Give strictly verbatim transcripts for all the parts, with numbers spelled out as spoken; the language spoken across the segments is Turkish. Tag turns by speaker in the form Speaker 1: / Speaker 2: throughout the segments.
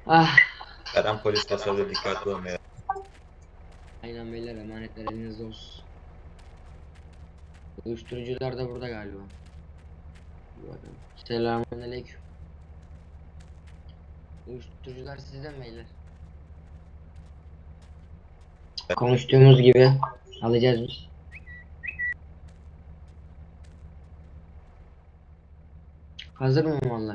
Speaker 1: Ah.
Speaker 2: Her an polis basabilir, dikkatli olun ya.
Speaker 1: Aynen beyler, emanetler elinizde olsun. Uyuşturucular da burada galiba. Bir bakalım. Selamünaleyküm. Uyuşturucular sizde mi beyler? Konuştuğumuz gibi alacağız biz. Hazır mı mallar?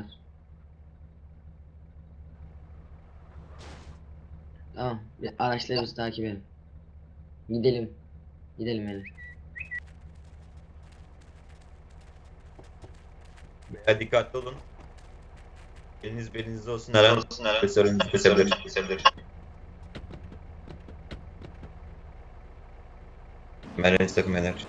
Speaker 1: Tamam. Bir araçları biz takip edelim. Gidelim. Gidelim hele.
Speaker 2: Beyler dikkatli olun. Eliniz belinizde olsun, her an polis önünüzü kesebilir. Merhaba takım eder.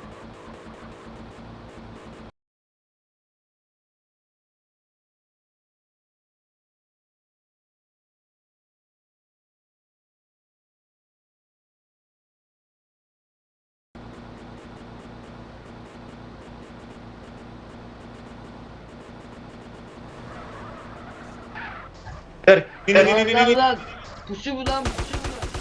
Speaker 2: Ver. İn in in in
Speaker 1: Lan
Speaker 2: in.
Speaker 1: lan! Pusu bu lan, pusu bu lan.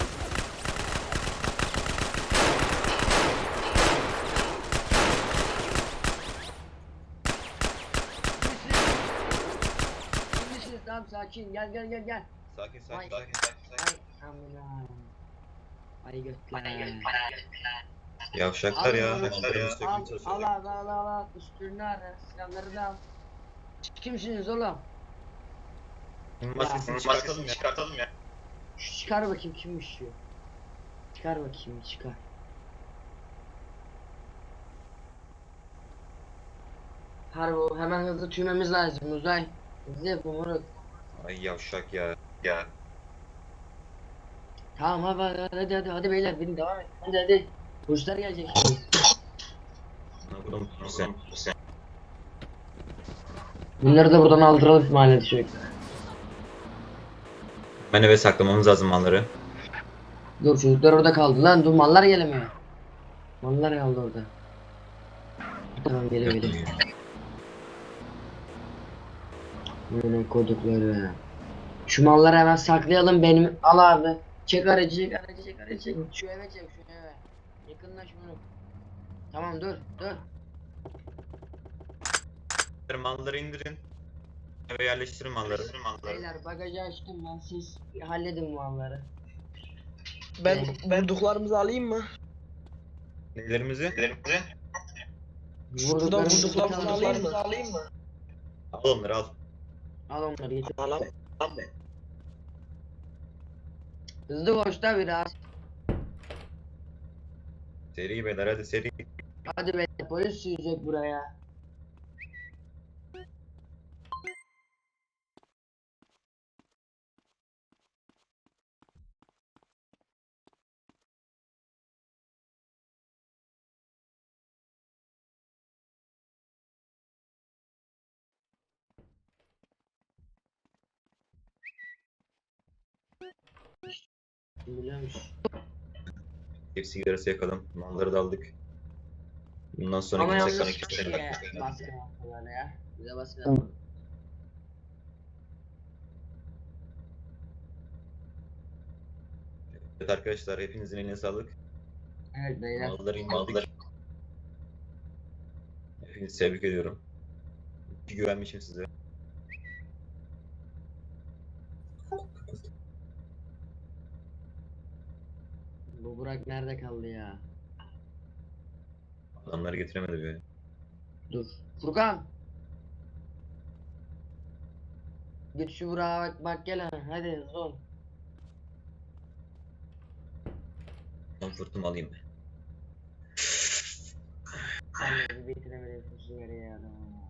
Speaker 1: Kimmisiniz? Tamam, sakin. Gel gel gel gel.
Speaker 2: Sakin
Speaker 1: Ay.
Speaker 2: sakin sakin sakin.
Speaker 1: Ay amına. Ay götler.
Speaker 2: Yavşaklar
Speaker 1: Alın
Speaker 2: ya.
Speaker 1: onu.
Speaker 2: Mallarımızı sökmeye
Speaker 1: Al al
Speaker 2: çalışıyorlar.
Speaker 1: al al al al. Üstünü ara. Silahları da al. Kimsiniz oğlum?
Speaker 2: Maskesini çıkartalım ya. Çıkartalım ya.
Speaker 1: Çıkar bakayım kimmiş şu. Çıkar bakayım, çıkar. Harbi o, hemen hızlı tüymemiz lazım Uzay. Hızlı yapın moruk.
Speaker 2: Ay yavşak ya. Ya.
Speaker 1: Tamam hadi hadi hadi hadi, hadi beyler benim devam et. Hadi hadi. Polisler gelecek şimdi.
Speaker 2: Ne yapalım sen?
Speaker 1: Bunları da buradan aldıralım mahallede sürekli.
Speaker 2: Ben eve saklamamız lazım malları.
Speaker 1: Dur, çocuklar orada kaldı lan, dur mallar gelemiyor. Mallar kaldı orada. Tamam, geliyor geliyor. Böyle kodukları. Şu malları hemen saklayalım, benim al abi. Çek aracı, çek aracı, çek aracı, çek. Şu eve çek, şu eve. Yakınlaş bunu. Tamam, dur dur.
Speaker 2: Malları indirin. Eve yerleştirin malları.
Speaker 1: Beyler bagajı açtım ben, siz halledin malları.
Speaker 3: Ben
Speaker 1: Evet.
Speaker 3: vurduklarımızı alayım mı?
Speaker 2: Nelerimizi?
Speaker 3: Şuradan
Speaker 1: Vurduklarımızı
Speaker 3: vurduklarımızı
Speaker 1: tutalım.
Speaker 3: alayım mı? Alayım mı?
Speaker 2: Al onları al.
Speaker 1: Al onları getir.
Speaker 3: Alam.
Speaker 1: Hızlı koş da biraz.
Speaker 2: Seri beyler hadi seri.
Speaker 1: Hadi be, polis sürecek buraya. Biliyormuş.
Speaker 2: Bir sigarası yakalım. Malları da aldık. Bundan sonra
Speaker 1: Ama
Speaker 2: kimse
Speaker 1: yalnız
Speaker 2: kana kimse
Speaker 1: şeye baskı yaptılar ya. Bize baskı yaptılar.
Speaker 2: Evet arkadaşlar hepinizin eline sağlık.
Speaker 1: Evet beyler.
Speaker 2: Malları indirdik. Hepinizi tebrik ediyorum. İyi güvenmişim size.
Speaker 1: Bu Burak nerede kaldı ya?
Speaker 2: Adamları getiremedi böyle.
Speaker 1: Dur. Furkan. Git şu Burak'a bak, bak gel ha. Hadi hızlı ol.
Speaker 2: Komfortumu alayım ben.
Speaker 1: Sen de bir bitiremedim şu sigarayı ya.